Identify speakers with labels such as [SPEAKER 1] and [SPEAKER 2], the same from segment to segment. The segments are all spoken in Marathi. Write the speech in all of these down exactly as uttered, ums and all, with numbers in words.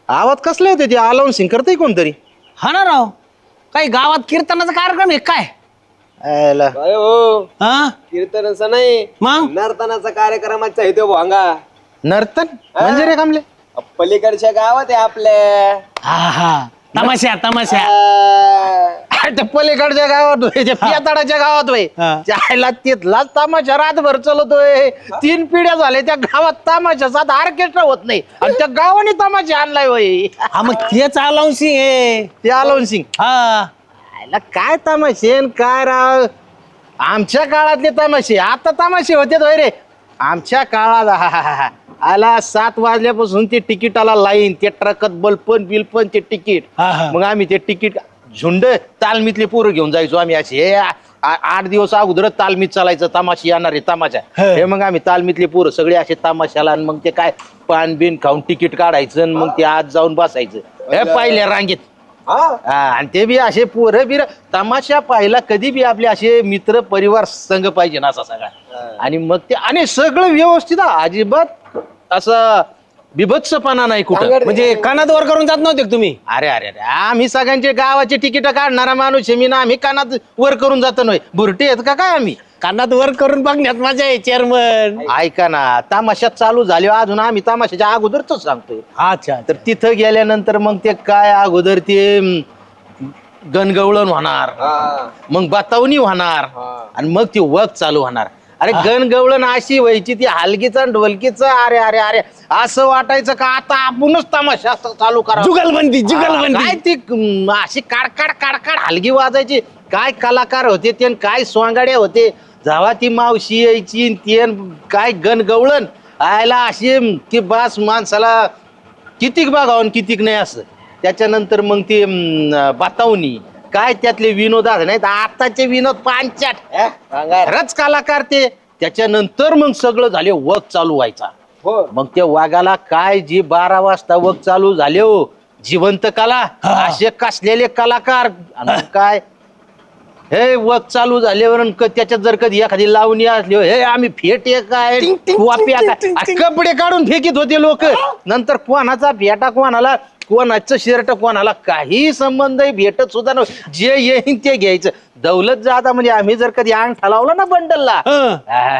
[SPEAKER 1] आवाज कसले होते ते आलावून सिंग करते कोणतरी.
[SPEAKER 2] हा ना राव, काही गावात कीर्तनाचा कार्यक्रम आहे काय?
[SPEAKER 1] आयला.
[SPEAKER 3] अरे हो,
[SPEAKER 2] हा
[SPEAKER 3] कीर्तनाचा नाही
[SPEAKER 2] मग
[SPEAKER 3] नर्तनाचा कार्यक्रमाचा आहे तो भोंगा.
[SPEAKER 1] नर्तन म्हणजे रे कामले.
[SPEAKER 3] पलीकडच्या गावात आहे आपल्या.
[SPEAKER 2] हा हा तमाशा तमाशा.
[SPEAKER 3] आ,
[SPEAKER 1] त्या पलीकडच्या गावात होय, त्या पियाताडाच्या गावात होय.
[SPEAKER 2] हा.
[SPEAKER 1] त्याला तिथलाच तमाशा रातभर चालवतोय. तीन पिढ्या झाल्या त्या गावात तमाशाचा ऑर्केस्ट्रा होत नाही आणि त्या गावाने तमाशा आणलाय होय.
[SPEAKER 2] हा मग तेच आलावशी आहे.
[SPEAKER 1] ते आलावून सिंग.
[SPEAKER 2] हा
[SPEAKER 1] आयला काय तमाशे न काय राव. आमच्या काळातले तमाशे आता तमाशे होते होय रे. आमच्या काळात हा, हा, हा, हा. आला सात वाजल्यापासून ते तिकिटाला लाईन, ते ट्रकात बलपण बिलपण ते तिकीट.
[SPEAKER 2] हा, हा.
[SPEAKER 1] मग आम्ही ते तिकीट झुंड तालमीतले पोरं घेऊन जायचो आम्ही असे. हे आ- आ- आठ दिवस अगोदर तालमीत चालायचं, तमाशा येणार आहे तमाशा.
[SPEAKER 2] हे.
[SPEAKER 1] हे मग आम्ही तालमीतले पोरं सगळे असे तमाशाला आणि मग ते काय पान बिन खाऊन तिकीट काढायचं आणि मग ते आत जाऊन बसायचं हे पहिल्या रांगेत.
[SPEAKER 3] हा?
[SPEAKER 1] हा, आणि ते बी असे पोरं बिर तमाशा पाहिला कधी बी आपले असे मित्र परिवार संघ पाहिजे ना असा सगळा. आणि मग ते आणि सगळं व्यवस्थित हा, अजिबात असं बिभत्सपणा नाही कुठं.
[SPEAKER 3] सांगा रे.
[SPEAKER 2] म्हणजे कानात वर करून जात नव्हते का तुम्ही?
[SPEAKER 1] अरे अरे अरे आम्ही सगळ्यांचे गावाचे तिकीट काढणारा माणूस आहे मी ना. आम्ही कानात वर करून जातो नाही बुरटे आहेत का काय आम्ही.
[SPEAKER 2] कानात वर करून बघण्यात मजा आहे चेअरमन.
[SPEAKER 1] ऐका ना, तमाशा चालू झाले अजून आम्ही तमाशाच्या अगोदरच सांगतोय.
[SPEAKER 2] अच्छा
[SPEAKER 1] तर तिथं गेल्यानंतर मग ते काय अगोदर ते अं, गणगवळण होणार,
[SPEAKER 3] हा.
[SPEAKER 1] मग बतावणी होणार
[SPEAKER 3] हा.
[SPEAKER 1] आणि मग ती वक चालू होणार. अरे गणगवळण अशी व्हायची ती हलकीचा आणि ढोलकीचं. अरे अरे अरे असं वाटायचं का आता आपणच तमाशा असं चालू करा.
[SPEAKER 2] जुगलबंदी
[SPEAKER 1] काय
[SPEAKER 2] जुगलबंदी.
[SPEAKER 1] ती अं, अशी काडकाड काडकाड हलगी वाजायची. काय कलाकार होते ते आणि काय स्वांगाड्या होते. जेव्हा ती मावशी यायची आणि ती आणि काय गणगवळण आयला अशी अं, ती बास माणसाला कितीक बघावं आणि कितीक नाही असं. त्याच्यानंतर मग ती अं, बतावणी काय त्यातले विनोद नाहीत आताचे विनोद पांचाट.
[SPEAKER 3] हा? सांगा रे.
[SPEAKER 1] खरंच कलाकार ते. त्याच्यानंतर मग सगळं झाले वक चालू व्हायचा.
[SPEAKER 3] हो.
[SPEAKER 1] मग त्या वाघाला काय जी बारा वाजता वक चालू झाले हो जिवंत कला असे कसलेले कलाकार. आणि मग काय हे वक चालू झाल्यावर अन क- त्याच्यात जर कधी एखादी लावणी असली हो, हे आम्ही फेटे काय वाप्या काय आ, कपडे काढून फेकीत होते लोक. नंतर कोणाचा फेटा कोणाला, कोणाचं शर्ट कोणाला काही संबंध भेटत सुद्धा नव्हतं. जे येईन ते घ्यायचं. दौलत जादा म्हणजे आम्ही जर कधी अंगठा लावला ना बंडलला
[SPEAKER 2] हं.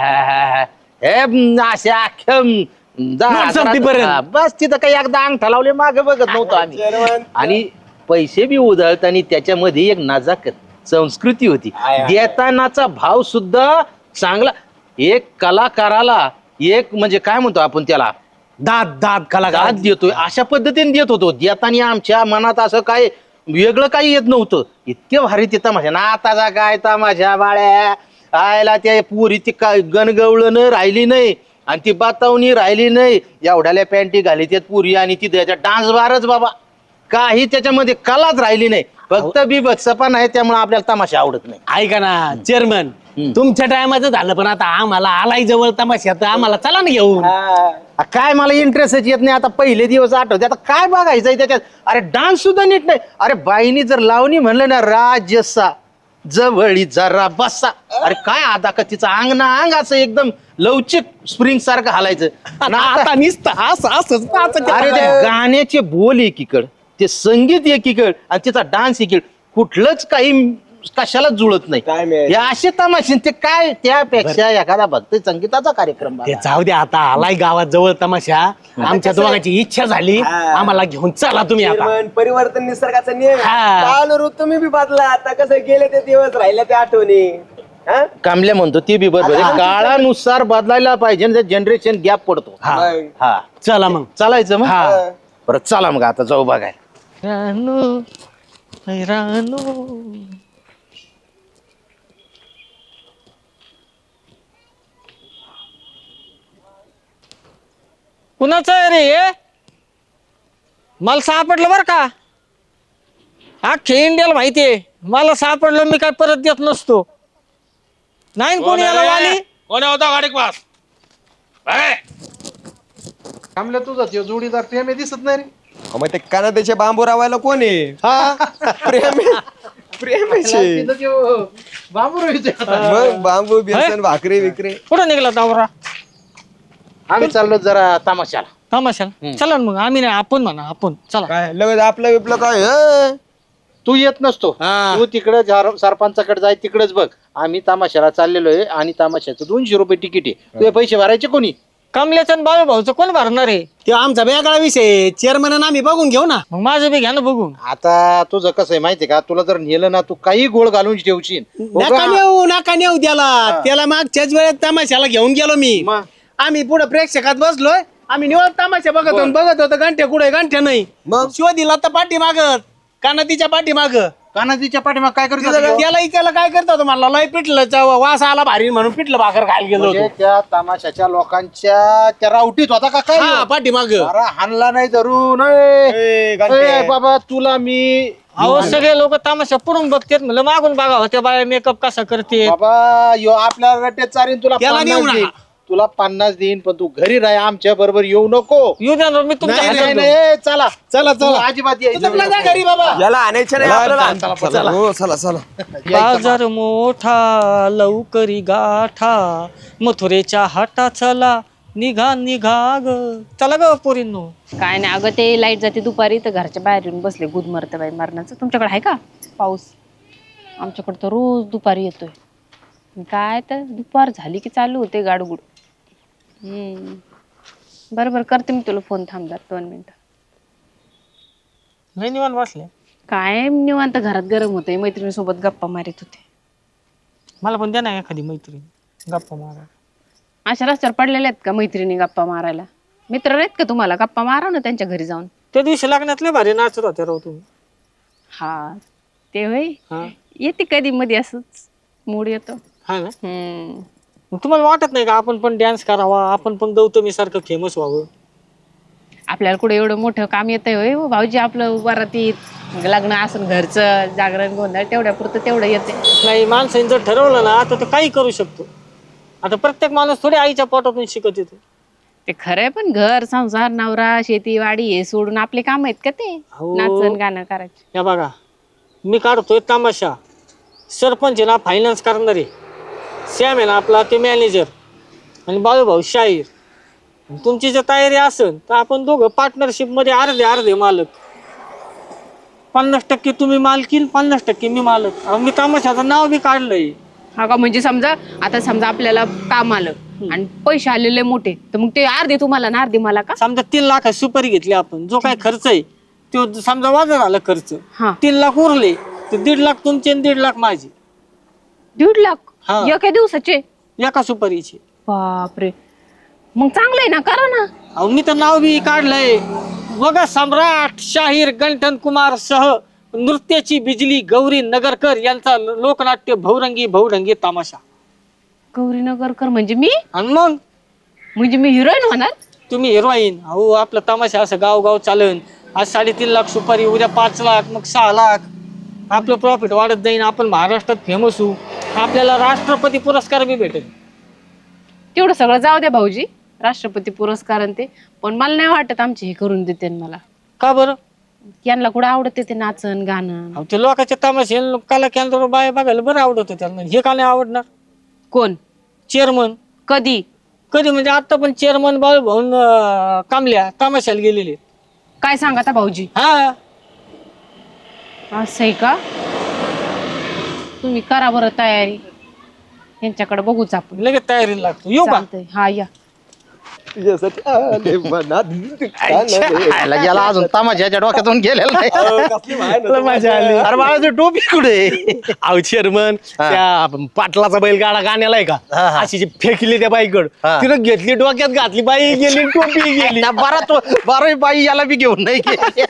[SPEAKER 1] हे म, असे अख्ख्या म, दहा
[SPEAKER 2] नोट
[SPEAKER 1] हजारात-
[SPEAKER 2] संपतीपर्यंत.
[SPEAKER 1] हा, बस तिथं काही एकदा अंगठा लावले मागे बघत नव्हतो आम्ही.
[SPEAKER 3] चेअरमन.
[SPEAKER 1] आणि पैसे बी उधळताना त्याच्यामध्ये एक नजाकत संस्कृती होती.
[SPEAKER 3] I, I.
[SPEAKER 1] देतानाचा भाव सुद्धा चांगला. एक कलाकाराला एक म्हणजे काय म्हणतो आपण त्याला
[SPEAKER 2] दात दात कलाकार.
[SPEAKER 1] दाद देतोय अशा पद्धतीने देत होतो. देताना आमच्या मनात असं काय वेगळं काही येत नव्हतं. इतके भारी ते तमाशा ना. आताचा काय तमाशा बाळ्या आयला त्या पुरी ती काय गणगवळण राहिली नाही आणि ती बातावणी राहिली नाही. एवढ्याल्या पॅन्टी घाली त्यात पुरी आणि ती त्याच्या डान्स बारच बाबा काही त्याच्यामध्ये कलाच राहिली नाही. फक्त बिभत्सपणा आहे त्यामुळे आपल्याला तमाशा आवडत नाही.
[SPEAKER 2] ऐका ना चेअरमन,
[SPEAKER 1] हम्म.
[SPEAKER 2] तुमच्या टायमाचं झालं पण आता आम्हाला आलाय जवळ तमाशा तर आम्हाला चला ना घेऊन.
[SPEAKER 3] हा.
[SPEAKER 1] आ, काय मला इंटरेस्टच येत नाही. आता पहिले दिवस आठवते. आता काय बघायचंय त्याच्यात. अरे डान्स सुद्धा नीट नाही. अरे बाईनी जर लावणी म्हणलं ना राजसा जवळी जरा बसा. अरे काय आता का तिचं अंग ना अंग असं एकदम लवचिक स्प्रिंग सारखं हालायचं.
[SPEAKER 2] आणि आता निसतं असं असंच नाचायचं.
[SPEAKER 1] अरे ते गाण्याचे बोल एकीकड, ते संगीत एकीकड आणि तिचा डान्स एकीकड. कुठलंच काही कशालाच जुळत नाही.
[SPEAKER 3] काय मिळायचं?
[SPEAKER 1] हे असे तमाशे ते काय त्यापेक्षा एखादा भक्त संगीताचा कार्यक्रम
[SPEAKER 2] ते
[SPEAKER 1] बघा.
[SPEAKER 2] जाऊ दे आता आलाय गावात जवळ तमाशा. आमच्या
[SPEAKER 3] कसं आहे?
[SPEAKER 2] दोघांची इच्छा झाली
[SPEAKER 3] हा.
[SPEAKER 2] आम्हाला घेऊन चला तुम्ही आता.
[SPEAKER 3] चेअरमन, परिवर्तन निसर्गाचा नियम आहे.
[SPEAKER 2] हा.
[SPEAKER 3] चालू ऋतू तुम्ही बी बदला. आता कसं गेले ते दिवस राहिले ते आठवणी. हा?
[SPEAKER 1] कामल्या म्हणतो ती बी बरोबर आहे.
[SPEAKER 3] आता-
[SPEAKER 1] काळानुसार बदलायला पाहिजे. जनरेशन गॅप पडतो.
[SPEAKER 2] हा.
[SPEAKER 3] मग.
[SPEAKER 1] हा
[SPEAKER 2] चला मग.
[SPEAKER 1] चालायचं मग.
[SPEAKER 2] हा.
[SPEAKER 3] हा.
[SPEAKER 1] परत चला मग आता जाऊ बघायला. रानू रानू
[SPEAKER 4] कुणाचं आहे रे हे? मला सापडलं बरं का. अख्खे इंडियाला माहितीये मला सापडलं मी काय परत देत नसतो. नाही न कोणी याला वाली.
[SPEAKER 5] कोण होता गाडी पास?
[SPEAKER 1] कामल्या तुझा त्यो जोडीदार प्रेम दिसत नाही रे.
[SPEAKER 3] अहो, मग ते कानादेचे बांबू रावायला कोण आहे? प्रेम आहे. प्रेम आहे. मग बांबू बेसन भाकरी विक्री.
[SPEAKER 4] कुठं निघाला नवरा?
[SPEAKER 1] आम्ही चाललो जरा तमाशाला.
[SPEAKER 4] तमाशाला चला ना मग आम्ही नाही आपण म्हणा आपण चला.
[SPEAKER 3] काय लगेच आपलं बिपलं काय अं?
[SPEAKER 1] तू येत नसतो
[SPEAKER 3] हा.
[SPEAKER 1] तू तिकडे सरपंचाकडे जाय तिकडेच बघ. आम्ही तमाशाला चाललेलो आहे आणि तमाशाचं दोनशे रुपये तिकीट आहे. तुझे पैसे भरायचे कोणी?
[SPEAKER 4] कमल्याचं आणि बाळू भाऊचं कोण भरणार आहे?
[SPEAKER 2] ते आमचा वेगळा विषय चेअरमन आम्ही बघून घेऊ ना.
[SPEAKER 4] मग माझं बी घ्या ना बघून.
[SPEAKER 1] आता तुझं कसं आहे माहितीये का, तुला जर नेलं ना तू काही गोळ घालून ठेवशील.
[SPEAKER 2] नका नेऊ नका नेऊ त्याला त्याला मागच्याच वेळेत तमाशाला घेऊन गेलो मी.
[SPEAKER 1] मग?
[SPEAKER 2] आम्ही पुढे प्रेक्षकात बसलोय. आम्ही निवड तमाशा बघत होतो बघत होतो घंटे कुठे घंटे नाही.
[SPEAKER 3] मग?
[SPEAKER 2] शोधिला तर पाठी मागत कानातीच्या पाठी माग
[SPEAKER 1] कानाजीच्या पाठीमाग काय करतो?
[SPEAKER 2] त्याला त्याला काय करतो होतो मला लय पिटलं चव- वास आला भारी म्हणून पिटलं भाकर खायला गेलो
[SPEAKER 1] म्हणजे
[SPEAKER 2] होतो.
[SPEAKER 1] त्या तमाशाच्या लोकांच्या त्या रावटीत होता का काय?
[SPEAKER 2] हा पाठी माग
[SPEAKER 1] अरे हाणला नाही धरून. ए, ए, बाबा तुला मी
[SPEAKER 4] अहो सगळे लोक तमाशा पुढून बघतात म्हणलं मागून बघा होत्या बाया मेकअप कसा करते.
[SPEAKER 1] बाबा यो आपल्या रट्यात चारीन तुला
[SPEAKER 2] त्याला
[SPEAKER 1] पन्नास
[SPEAKER 2] नेऊ नका.
[SPEAKER 1] देईन. तुला पन्नास देईन पण तू घरी राह आमच्या बरोबर येऊ नको.
[SPEAKER 4] येऊ द्या ना, मी तुमच्या
[SPEAKER 1] नाही,
[SPEAKER 4] हातात
[SPEAKER 1] नाही,
[SPEAKER 4] देतो.
[SPEAKER 1] नाही, चला
[SPEAKER 2] चला
[SPEAKER 1] तू
[SPEAKER 2] चला
[SPEAKER 1] अजिबात यायचं
[SPEAKER 2] तू जा
[SPEAKER 1] नको.
[SPEAKER 2] घरी बाबा.
[SPEAKER 3] याला आणायचं नाही आपल्याला. चला हो, चला चला
[SPEAKER 4] बाजार मोठा लवकरी गाठा मथुरेच्या हाटा चला निघा निघा ग. चला ग पोरींनो.
[SPEAKER 5] काय नाही अगं ते लाईट जाते दुपारी तर घरच्या बाहेर येऊन बसले गुद मरतं बाई मरणाचं. तुमच्याकडे आहे का पाऊस? आमच्याकडे तर रोज दुपारी येतोय. काय तर दुपार झाली की चालू होते गाडगुड. हम्म बरं बरं करते मी तुला फोन. थांबदार दोन मिनिटं.
[SPEAKER 4] नाही निवांत बसले.
[SPEAKER 5] काय निवांत घरात गरम होते. मैत्रिणीसोबत गप्पा मारित होते.
[SPEAKER 4] मला पण द्या ना एखादी मैत्रीण गप्पा मारा.
[SPEAKER 5] अशा रस्त्यावर पडलेल्या आहेत का मैत्रिणी गप्पा मारायला? मित्र आहेत का तुम्हाला? गप्पा मारा ना त्यांच्या घरी जाऊन.
[SPEAKER 4] त्या दिवशी लग्नातले भारी नाचत होते राव तुम्ही.
[SPEAKER 5] हा ते होय
[SPEAKER 4] हा
[SPEAKER 5] येते कधी मध्ये असंच मूड येतो.
[SPEAKER 4] हा ना.
[SPEAKER 5] हम्म
[SPEAKER 4] मग तुम्हाला वाटत नाही का आपण पण डान्स करावा, आपण पण गौतमी सारखं फेमस व्हावं?
[SPEAKER 5] आपल्याला कुठे एवढं मोठं काम येतंय होय हो भाऊजी? आपलं वरातीत लग्न असून घरचं जागरण गोंधळ तेवढ्या पुरतं तेवढं येते.
[SPEAKER 4] नाही माणसाने जर ठरवलं ना तर तो काही करू शकतो. आता प्रत्येक माणूस थोडी आईच्या पोटातून शिकत येतो.
[SPEAKER 5] ते खरंय पण घर संसार नवरा शेती वाडी हे सोडून आपले काम आहेत का ते?
[SPEAKER 4] हो.
[SPEAKER 5] नाचन गाणं करायचे.
[SPEAKER 4] या बघा मी काढतोय तमाशा. सरपंच आहे ना फायनान्स करणारे. सॅम आहे ना आपला ते मॅनेजर. आणि बाळूभाऊ शाहीर. तुमची जर तयारी असेल तर आपण दोघं पार्टनरशिप मध्ये अर्धे अर्धे मालक. पन्नास टक्के तुम्ही मालकीन पन्नास टक्के मी मालक. अहो, मी तमाशाचं नाव बी काढलंय.
[SPEAKER 5] हा का? म्हणजे समजा आता समजा आपल्याला काम आलं आणि पैसे आलेले मोठे तर मग ते अर्धे तुम्हाला ना अर्धे मला का?
[SPEAKER 4] समजा तीन लाख सुपारी घेतली आपण. जो काय खर्च आहे तो समजा वाजा झाला खर्च.
[SPEAKER 5] हा
[SPEAKER 4] तीन लाख उरले तर दीड लाख तुमचे आणि दीड लाख माझे.
[SPEAKER 5] दीड लाख
[SPEAKER 4] हा.
[SPEAKER 5] एका दिवसाचे?
[SPEAKER 4] एका सुपारीचे.
[SPEAKER 5] बापरे मग चांगलंय ना, करा ना.
[SPEAKER 4] अहो मी तर नाव बी काढलंय बघा. सम्राट शाहीर गंठन कुमार सह नृत्याची बिजली गौरी नगरकर यांचा लोकनाट्य बहुरंगी बहुढंगी तमाशा.
[SPEAKER 5] गौरी नगरकर म्हणजे मी?
[SPEAKER 4] आणि मग
[SPEAKER 5] म्हणजे मी हिरोईन होणार?
[SPEAKER 4] तुम्ही हिरोईन. अहो आपला तमाशा असं गाव गाव चालन. आज साडेतीन लाख सुपारी, उद्या पाच लाख, मग सहा लाख. आपलं प्रॉफिट वाढत जाईन. आपण महाराष्ट्रात फेमस होऊ. आपल्याला राष्ट्रपती पुरस्कार बी भेटेल.
[SPEAKER 5] तेवढं सगळं जाऊ द्या भाऊजी, राष्ट्रपती पुरस्कार आणि ते. पण मला नाही वाटत आमचे हे करून देते मला.
[SPEAKER 4] का बरं?
[SPEAKER 5] यांना कुठं आवडते ते नाचन गाणं?
[SPEAKER 4] अहो ते लोकांच्या तमाशे कला केंद्र बाय बघायला बरं आवडत त्यांना. हे का नाही आवडणार?
[SPEAKER 5] कोण?
[SPEAKER 4] चेअरमन.
[SPEAKER 5] कधी?
[SPEAKER 4] कधी म्हणजे आता पण चेअरमन बाळू भाऊन कामल्या तमाशाला गेलेले.
[SPEAKER 5] काय सांगा आता भाऊजी?
[SPEAKER 4] हा
[SPEAKER 5] असं आहे का? तुम्ही करा बरं तयारी. यांच्याकडे बघूच आपण.
[SPEAKER 4] लगेच तयारीला लागतो. येऊ का?
[SPEAKER 5] चालतंय. हा या.
[SPEAKER 3] तुझ्यासाठी आले मनात
[SPEAKER 1] खायला गेला अजून तमाशाच्या डोक्यातून गेलेला नाही.
[SPEAKER 3] कसली भान
[SPEAKER 2] मजा आली.
[SPEAKER 1] अरे बाळाची टोपी कुठे?
[SPEAKER 2] अहो चेअरमन त्या पाटलाचा बैलगाडा गाण्याला आहे का
[SPEAKER 1] हा, हा.
[SPEAKER 2] अशी जी फेकली त्या बाईकड
[SPEAKER 1] हा.
[SPEAKER 2] तिनं घेतली डोक्यात घातली बाई गेली टोपी गेली.
[SPEAKER 1] बारा तो बारा बाई याला बी घेऊन नाही गेली.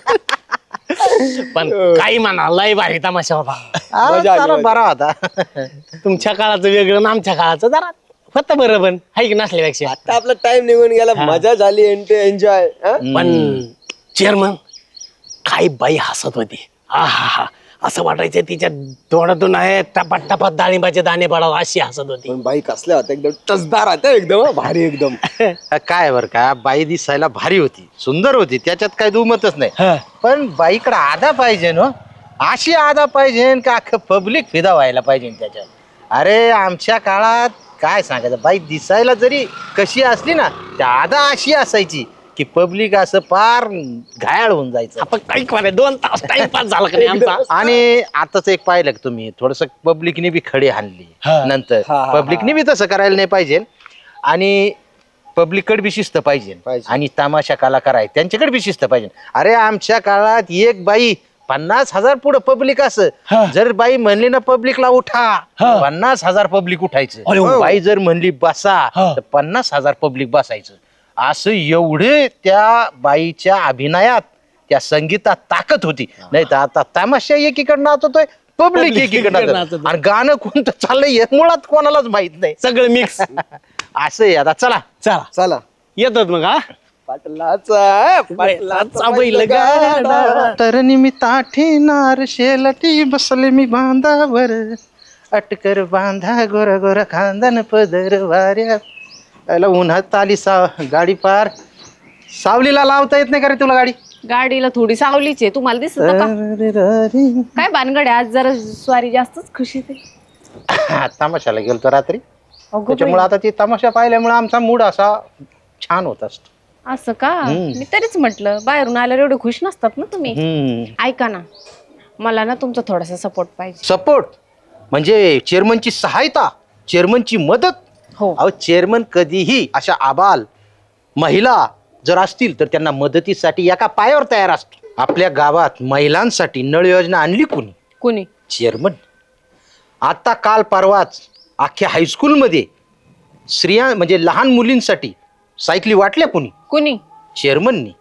[SPEAKER 2] पण काही म्हणा लय भारी तमाशा होता.
[SPEAKER 1] अरे,
[SPEAKER 3] मजा आली,
[SPEAKER 1] चला
[SPEAKER 3] मजा.
[SPEAKER 1] बरा होता.
[SPEAKER 2] तुमच्या काळाचं वेगळं आणि आमच्या काळाचं जरा होतं बरं पण हाय की नसल्यापेक्षा.
[SPEAKER 3] आता आपला टाइम निघून गेला. मजा झाली एन्जॉय.
[SPEAKER 2] पण चेअरमन काही बाई हसत होती. हा हा हा असं वाटायचं तिच्या तोंडातून आहे टपात टपात डाळिंबाचे दाणे पडावं अशी हसत होती.
[SPEAKER 3] पण बाई कसल्या होत्या एकदम टचदार होत्या एकदम हं, भारी एकदम.
[SPEAKER 1] काय बर का बाई दिसायला भारी होती, सुंदर होती, त्याच्यात काही दुमतच नाही.
[SPEAKER 2] हा.
[SPEAKER 1] पण बाईकडे आधा पाहिजे ना, अशी आधा पाहिजे का अख्खं पब्लिक फिदा व्हायला पाहिजे त्याच्यात. अरे आमच्या काळात काय सांगायचं, बाई दिसायला जरी कशी असली ना त्या आधा अशी असायची की पब्लिक असं फार घायाळ होऊन जायचं.
[SPEAKER 2] आपण काही करे दोन तास टाइमपास झाला का नाही आमचा.
[SPEAKER 1] आणि आताच एक पाहिलं का तुम्ही थोडस पब्लिकने बी खडी हाणली
[SPEAKER 2] हा.
[SPEAKER 1] नंतर
[SPEAKER 3] हा, हा,
[SPEAKER 1] पब्लिकने बी तसं करायला नाही पाहिजे. आणि पब्लिककडे बी शिस्त पाहिजे
[SPEAKER 3] पाहिजे.
[SPEAKER 1] आणि तमाशा कलाकार आहेत त्यांच्याकडे बी शिस्त पाहिजे. अरे आमच्या काळात एक बाई पन्नास हजार पुढे पब्लिक असं
[SPEAKER 2] हा.
[SPEAKER 1] जर बाई म्हणली ना पब्लिकला उठा
[SPEAKER 2] हा.
[SPEAKER 1] पन्नास हजार पब्लिक उठायचं.
[SPEAKER 2] अरे वा.
[SPEAKER 1] बाई जर म्हणली बसा
[SPEAKER 2] हा.
[SPEAKER 1] तर पन्नास हजार पब्लिक बसायचं. असं एवढे त्या बाईच्या अभिनयात त्या संगीतात ताकद होती. नाही तर आता तमाशा एकीकडे नाचतोय पब्लिक
[SPEAKER 2] Public
[SPEAKER 1] एकीकडे
[SPEAKER 2] एकीकडे
[SPEAKER 1] नाचतोय.
[SPEAKER 2] नाचतोय.
[SPEAKER 1] आणि गाणं कोणतं चाललंय हे मुळात कोणालाच माहित नाही.
[SPEAKER 2] सगळं मिक्स.
[SPEAKER 1] असं आहे आता चला
[SPEAKER 2] चला
[SPEAKER 3] चला
[SPEAKER 2] येतात मग हा.
[SPEAKER 3] पाटलाचा
[SPEAKER 2] पाटलाचा बैलगाडा.
[SPEAKER 1] तर निमित्ता ठेणार शेलटी बसले मी बांधावर अटकर बांधा गोरा गोरा खांदन पदर वाऱ्या. याला उन्हात आली सा गाडी पार. सावलीला लावता येत नाही का रे तुला गाडी.
[SPEAKER 5] गाडीला थोडी सावलीच आहे तुम्हाला दिसत का काय भानगड आहे आज जरा स्वारी जास्तच खुशी ते
[SPEAKER 1] तमाशाला गेलतो रात्री
[SPEAKER 5] अगो
[SPEAKER 1] त्याच्यामुळे
[SPEAKER 5] बाई,
[SPEAKER 1] आता ती तमाशा पाहिल्यामुळे आमचा मूड असा छान होत असतो.
[SPEAKER 5] असं का
[SPEAKER 1] हम्म.
[SPEAKER 5] मी तरीच म्हटलं बाहेरून आल्यावर एवढे खुश नसतात ना तुम्ही.
[SPEAKER 1] हम्म
[SPEAKER 5] ऐका ना मला ना तुमचा थोडासा सपोर्ट पाहिजे.
[SPEAKER 1] सपोर्ट म्हणजे चेअरमनची सहायता चेअरमनची मदत.
[SPEAKER 5] हो
[SPEAKER 1] अहो चेअरमन कधीही अशा आबाल महिला जर असतील तर त्यांना मदतीसाठी एका पायावर तयार असतो. आपल्या गावात महिलांसाठी नळ योजना आणली कोणी.
[SPEAKER 5] कोणी
[SPEAKER 1] चेअरमन. आता काल परवाच अख्ख्या हायस्कूलमध्ये स्त्रिया म्हणजे लहान मुलींसाठी सायकली वाटल्या कोणी.
[SPEAKER 5] कोणी
[SPEAKER 1] चेअरमननी.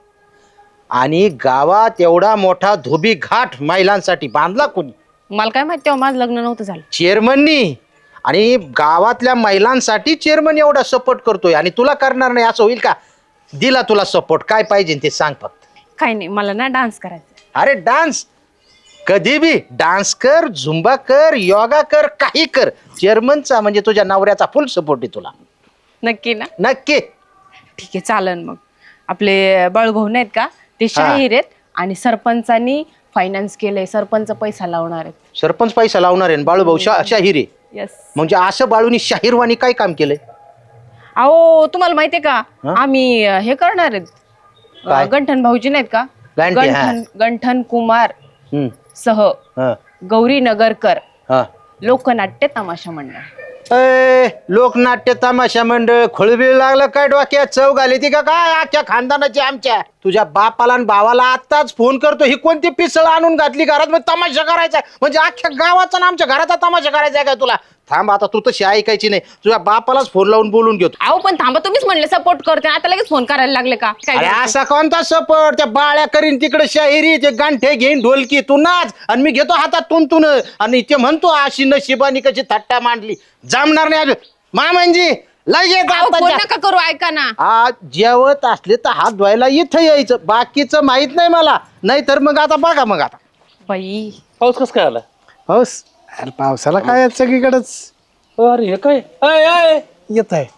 [SPEAKER 1] आणि गावात एवढा मोठा धोबी घाट महिलांसाठी बांधला कोणी.
[SPEAKER 5] मला काय माहिती तेव्हा माझं लग्न नव्हतं झालं.
[SPEAKER 1] चेअरमननी. आणि गावातल्या महिलांसाठी चेअरमन एवढा सपोर्ट करतोय आणि तुला करणार नाही असं होईल का. दिला तुला सपोर्ट काय पाहिजे ते सांग फक्त.
[SPEAKER 5] काही नाही मला ना डान्स करायचा.
[SPEAKER 1] अरे डान्स कधी बी डान्स कर झुंबा कर योगा कर काही कर. चेअरमनचा म्हणजे तुझ्या नवऱ्याचा फुल सपोर्ट आहे तुला.
[SPEAKER 5] नक्की ना.
[SPEAKER 1] नक्की.
[SPEAKER 5] ठीक आहे चालन मग. आपले बाळूभाऊ नाहीत का ते शाहीर आहेत आणि सरपंचानी फायनान्स केलंय. सरपंच पैसा लावणार आहेत.
[SPEAKER 1] सरपंच पैसा लावणार आहे बाळूभाऊ शा शाहीर आहे.
[SPEAKER 5] यस.
[SPEAKER 1] म्हणजे असं बाळूनी शाहीरवाणी काय काम केलंय.
[SPEAKER 5] अहो तुम्हाला माहितीये का
[SPEAKER 1] हं?
[SPEAKER 5] आम्ही अं, हे करणार आहेत
[SPEAKER 1] काय?
[SPEAKER 5] अं, गंठन भाऊजी नाहीत का
[SPEAKER 1] गांठी, हा.
[SPEAKER 5] गंठन गंठन कुमार
[SPEAKER 1] हम्म,
[SPEAKER 5] सह
[SPEAKER 1] हा,
[SPEAKER 5] गौरी नगरकर
[SPEAKER 1] हा.
[SPEAKER 5] लोकनाट्य तमाशा मंडळ.
[SPEAKER 1] ए, लोकनाट्य तमाशा मंडळ खोळबीळ लागलं काय डोक्यात चव घाली ती का काय अख्ख्या खानदानाची आमच्या. तुझ्या बापाला आणि भावाला आताच फोन करतो ही कोणती पिसळ आणून घातली घरात म्हणजे तमाशा करायचा म्हणजे अख्ख्या गावाचा ना आमच्या घराचा तमाशा करायचा काय तुला. थांब आता तू तशी ऐकायची नाही तुझ्या बापालाच फोन लावून बोलून घेतो.
[SPEAKER 5] अहो पण थांबा तुम्हीच म्हणले सपोर्ट करते आता लगेच फोन करायला लागले का काय
[SPEAKER 1] अरे
[SPEAKER 5] करायचं?
[SPEAKER 1] असा कोणता सपोर्ट त्या बाळ्या करीन तिकडे शाहिरी ते गांठे घेईन ढोलकी तू नाच आणि मी घेतो हातात तुंतून आणि ते म्हणतो अशी नशिबानी कशी थट्टा मांडली जमणार नाही अजून मामांजी लगेच
[SPEAKER 5] अहो, फोन
[SPEAKER 1] आता
[SPEAKER 5] नका करू ऐका ना.
[SPEAKER 1] आज जेवत असले तर हात धुवायला इथं यायचं बाकीचं माहित नाही मला नाही तर मग आता बघा मग आता
[SPEAKER 5] बाई
[SPEAKER 2] पाऊस कस काय आला.
[SPEAKER 3] पाऊस. अरे पावसाला काय आहे सगळीकडेच
[SPEAKER 2] अरे हे काय अय, अय.
[SPEAKER 3] येत आहे.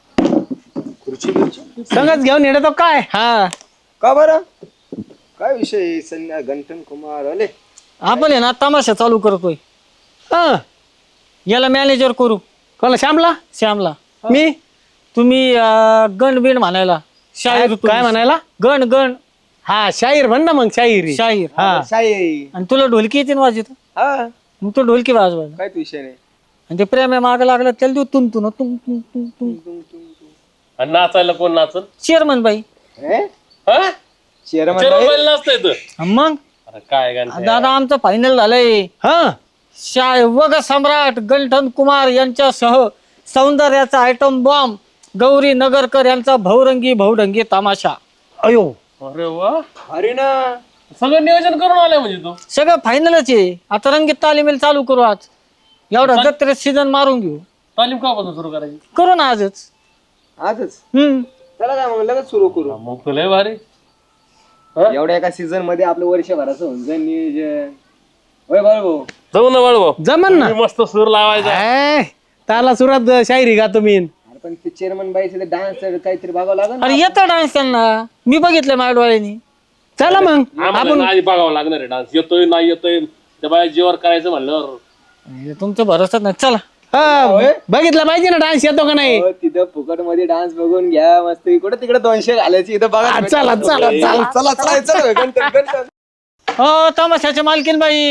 [SPEAKER 2] संगच घेऊन येतो काय.
[SPEAKER 4] हा
[SPEAKER 3] का बरं काय विषय संध्या गंठन कुमार आले.
[SPEAKER 4] आपण आहे ना तमाशा चालू करतोय.
[SPEAKER 2] हं.
[SPEAKER 4] याला मॅनेजर करू
[SPEAKER 2] कोणाला श्यामला.
[SPEAKER 4] श्यामला.
[SPEAKER 2] मी
[SPEAKER 4] तुम्ही अं, गण बिण म्हणायला शाहीर
[SPEAKER 2] काय-
[SPEAKER 4] तुम्ही.
[SPEAKER 2] काय म्हणायला?
[SPEAKER 4] गण गण
[SPEAKER 2] हा शाहीर म्हण ना मग शाहीर.
[SPEAKER 4] शाहीर.
[SPEAKER 2] हा
[SPEAKER 3] शाही.
[SPEAKER 4] आणि तुला ढोलकी येते ना वाजत
[SPEAKER 3] हा
[SPEAKER 4] मग तो ढोलकी वाजवायचा
[SPEAKER 3] काय विषय नाही.
[SPEAKER 4] आणि ते प्रेम माग लागलं त्याला देऊ तुम तुम तुम तुम तुम तुम
[SPEAKER 6] आणि नाचायला कोण नाचल.
[SPEAKER 4] चेअरमन बाई.
[SPEAKER 6] हा?
[SPEAKER 3] चेअरमन
[SPEAKER 6] चिरवलेलं नसतं इथं.
[SPEAKER 4] मग
[SPEAKER 6] अरे काय गाणं
[SPEAKER 4] दादा आमचं फायनल झालंय.
[SPEAKER 2] हा
[SPEAKER 4] शाय वग सम्राट गंठन कुमार यांच्यासह सौंदर्याचा आयटम बॉम्ब गौरी नगरकर यांचा भवरंगी भवढंगी तमाशा.
[SPEAKER 2] अयो
[SPEAKER 6] अरे वा
[SPEAKER 3] अरे ना
[SPEAKER 6] सगळं नियोजन करून आलंय म्हणजे तू.
[SPEAKER 4] सगळं फायनलच आहे. आता रंगीत तालीमेल चालू करू आज. एवढा जत्रेत सीझन मारून घेऊ.
[SPEAKER 6] तालीम कापासून सुरू करायची.
[SPEAKER 4] करू ना आजच.
[SPEAKER 3] आजच
[SPEAKER 4] हम्म
[SPEAKER 3] चला काय मग लगेच सुरू करू.
[SPEAKER 6] मग तुला लय भारी.
[SPEAKER 3] एवढ्या एका सीझन मध्ये आपलं वर्षभराचं होऊन जाईल नियोजन. होय भाऊ.
[SPEAKER 6] जाऊ ना बाळू
[SPEAKER 2] जमन ना.
[SPEAKER 6] मस्त सूर लावायचा.
[SPEAKER 2] ए, त्याला सुरात शायरी गातो मी.
[SPEAKER 3] अरे पण ते चेअरमन बाईचे डान्स काहीतरी बघावं लागेल ना.
[SPEAKER 4] अरे येतो डान्स त्यांना मी बघितलं माझ्या डोळ्यांनी.
[SPEAKER 2] चला मग
[SPEAKER 6] आम्हाला ना आधी बघावं लागणार आहे डान्स येतोय नाही येतोय त्या बाया जीवर करायचं म्हणल्यावर.
[SPEAKER 4] तुमचं भरोसाच नाही चला.
[SPEAKER 2] हा, बघितलं पाहिजे ना डान्स येतो का नाही
[SPEAKER 3] हो, तिथं फुकट मध्ये डान्स बघून घ्या मस्त इकडे तिकडे दोनशे घालायची इथं बघा
[SPEAKER 2] हा, चला चला चला
[SPEAKER 3] चला चला चला गणपती गणपती
[SPEAKER 4] हो तमाशाचे मालकीन बाई.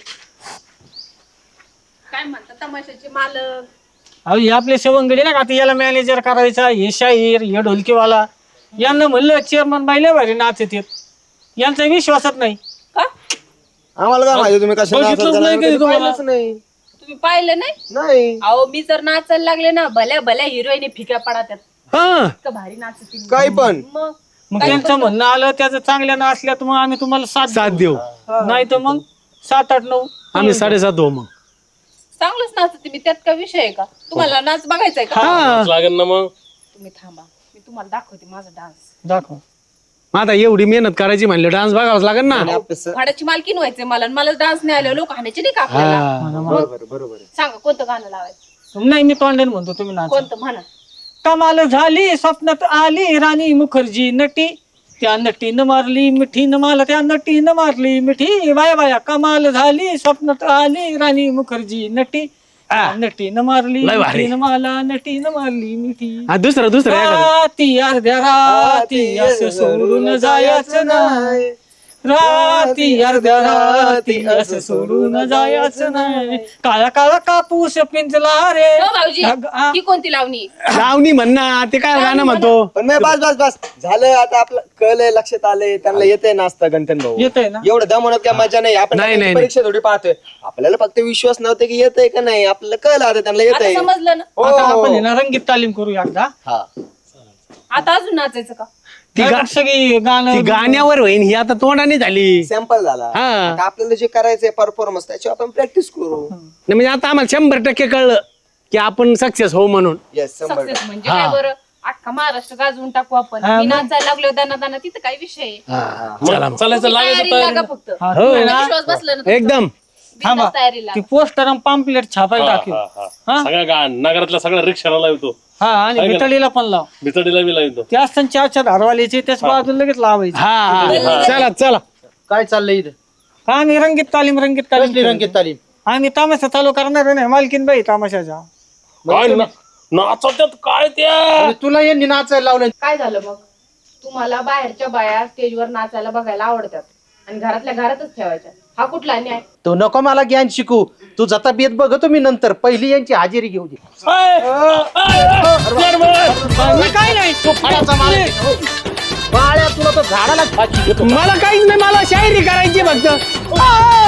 [SPEAKER 5] काय म्हणतात तमाशाचे मालक?
[SPEAKER 4] अहो हे आपले सवंगडी ना का आता याला मॅनेजर करायचा, हे शाहीर, हे ढोलकीवाला, यांना म्हणलं चेअरमन बाई लय भारी नाच येतात, यांचा विश्वासच नाही.
[SPEAKER 5] का
[SPEAKER 3] आम्हाला काय माहिती तुम्ही कशा
[SPEAKER 4] बघितलंच
[SPEAKER 3] नाचायला
[SPEAKER 4] नाही
[SPEAKER 3] लागले,
[SPEAKER 4] कधी तुम्हाला.
[SPEAKER 3] पाहिलंच नाही
[SPEAKER 5] तुम्ही पाहिलं नाही?
[SPEAKER 3] नाही
[SPEAKER 5] अहो मी जर नाचायला लागले ना भल्या भल्या हिरोईन फिक्या पडतात.
[SPEAKER 2] हा
[SPEAKER 5] इतकं भारी नाचतील
[SPEAKER 3] काही पण
[SPEAKER 5] मग.
[SPEAKER 4] मग त्यांचं म्हणणं आलं त्याचं चांगल्या ना असल्यात मग आम्ही तुम्हाला साथ
[SPEAKER 2] साथ देऊ
[SPEAKER 4] नाही तर मग सात आठ नऊ
[SPEAKER 2] आम्ही साडेसात हो मग
[SPEAKER 5] चांगलंच नाचते मी, त्यात काय विषय आहे का? तुम्हाला नाच बघायचा आहे का?
[SPEAKER 2] हा
[SPEAKER 6] लागेल ना मग.
[SPEAKER 5] तुम्ही थांबा, मी तुम्हाला दाखवते माझा डान्स.
[SPEAKER 4] दाखव.
[SPEAKER 2] मग आता एवढी मेहनत करायची म्हणले डान्स बघावाच लागेल ना
[SPEAKER 5] भाड्याची मालकीन व्हायचंय मला आणि मला डान्स नाही आले लोक हाणायचे नाही का आपल्याला?
[SPEAKER 2] हा.
[SPEAKER 3] बरोबर बरोबर आहे.
[SPEAKER 5] सांगा कोणतं गाणं लावायचं?
[SPEAKER 4] नाही मी तोंडाने म्हणतो तुम्ही नाच.
[SPEAKER 5] कोणतं म्हणा.
[SPEAKER 4] कमाल झाली स्वप्नात आली राणी मुखर्जी नटी, त्या नटीनं मारली मिठीनं मला, त्या नटीनं मारली मिठी, बाया बाया कमाल झाली स्वप्नात आली राणी मुखर्जी नटी,
[SPEAKER 2] हा.
[SPEAKER 4] नटीनं मारली
[SPEAKER 2] लय भारी.
[SPEAKER 4] मिठीनं मला, नटीनं मारली मिठी.
[SPEAKER 2] हा, दुसरं दुसरं एखादं.
[SPEAKER 4] राती अर्ध्या राती असं सोडून जायचं नाही, राती अर्ध्या राती असं सोडून जायचं नाही, काळा काळा कापूस पिंजला रे.
[SPEAKER 5] हो भाऊजी,
[SPEAKER 4] अग- आ-
[SPEAKER 5] ही कोणती लावणी?
[SPEAKER 2] लावणी म्हणणार ते काय गाणं म्हणतो
[SPEAKER 3] पण नाही बस बस बस झालं आता आपलं कळलंय लक्षात आलंय त्यांना येतंय नाचता गणपती भाऊ
[SPEAKER 4] येतंय ना.
[SPEAKER 3] एवढं दमवण्यात काय मजा नाही आपण
[SPEAKER 2] नाही,
[SPEAKER 3] त्यांची
[SPEAKER 2] नाही,
[SPEAKER 3] परीक्षा थोडी पाहतोय आपल्याला फक्त विश्वास नव्हता की येतंय का नाही आपल्याला कळलं आता त्यांना
[SPEAKER 5] आता
[SPEAKER 3] येतंय
[SPEAKER 5] समजलं ना?
[SPEAKER 4] आता आपण हे ना रंगीत तालीम करू एकदा.
[SPEAKER 3] हा
[SPEAKER 5] आता अजून नाचायचं का?
[SPEAKER 2] ती गा-
[SPEAKER 4] सगळी
[SPEAKER 2] ती
[SPEAKER 4] गाणं
[SPEAKER 2] गाण्यावर होईन ही आता तोंडाने झाली
[SPEAKER 3] सॅम्पल झाला
[SPEAKER 2] हा.
[SPEAKER 3] आता आपल्याला जे करायचंय परफॉर्मन्स त्याची आपण प्रॅक्टिस करू
[SPEAKER 2] नाही म्हणजे आता आम्हाला शंभर टक्के कळलं की आपण सक्सेस हो म्हणून
[SPEAKER 3] येस शंभर
[SPEAKER 5] सक्सेस म्हणजे काय बरं? अख्खा महाराष्ट्र गाजवून टाकू आपण.
[SPEAKER 4] हा,
[SPEAKER 5] मी
[SPEAKER 4] मग.
[SPEAKER 5] नाचायला लागलो दाना दाना तिथं काय विषय आहे?
[SPEAKER 2] चला मग.
[SPEAKER 6] चालायचं
[SPEAKER 5] तुम्ही
[SPEAKER 6] लागायचं
[SPEAKER 5] तयारीला लागा
[SPEAKER 6] तयारी.
[SPEAKER 5] फक्त.
[SPEAKER 4] हा,
[SPEAKER 2] हो.
[SPEAKER 4] तू आहे ना,
[SPEAKER 5] विश्वास बसला ना तुमचा.
[SPEAKER 2] एकदम
[SPEAKER 4] थांबा.
[SPEAKER 5] बिनधास्त तयारीला
[SPEAKER 4] ती पोस्टर आणि पॅम्पलेट छापायला टाकेल. हा?
[SPEAKER 6] सगळ्या गा नगरातल्या सगळ्या रिक्षाला लावतो,
[SPEAKER 4] हा आणि मितळीला पण लाव.
[SPEAKER 6] बिचडीला बी लावतो.
[SPEAKER 4] त्या असताना चारच्या धारवालीचे त्याच बाजूला लगेच लावायचे.
[SPEAKER 2] हा हा चला चला
[SPEAKER 1] काय चाललंय इथं?
[SPEAKER 4] का आम्ही रंगीत तालीम रंगीत
[SPEAKER 1] कसली
[SPEAKER 4] तालीम
[SPEAKER 1] रंगीत तालीम?
[SPEAKER 4] आम्ही तामाशा चालू करणार नाही मालकीन बाई तामाशाच्या.
[SPEAKER 6] काय ना- नाचवत्यात काय त्या
[SPEAKER 1] आणि तुला यांनी नाचायला लावलं.
[SPEAKER 5] काय झालं मग? तुम्हाला बाहेरच्या बाया स्टेजवर नाचायला बघायला आवडतात आणि घरातल्या घरातच ठेवायच्या. हा कुठला न्याय?
[SPEAKER 1] तू नको मला ज्ञान शिकू, तू जाता बेत बघतो मी नंतर, पहिली यांची हाजेरी घेऊ दे.
[SPEAKER 4] मी काय नाही
[SPEAKER 1] तू फळाचा मालक आहे. हो. बाळ्या तुला तर झाडाला फाशी देतो.
[SPEAKER 2] मला काहीच नाही मला शायरी करायची फक्त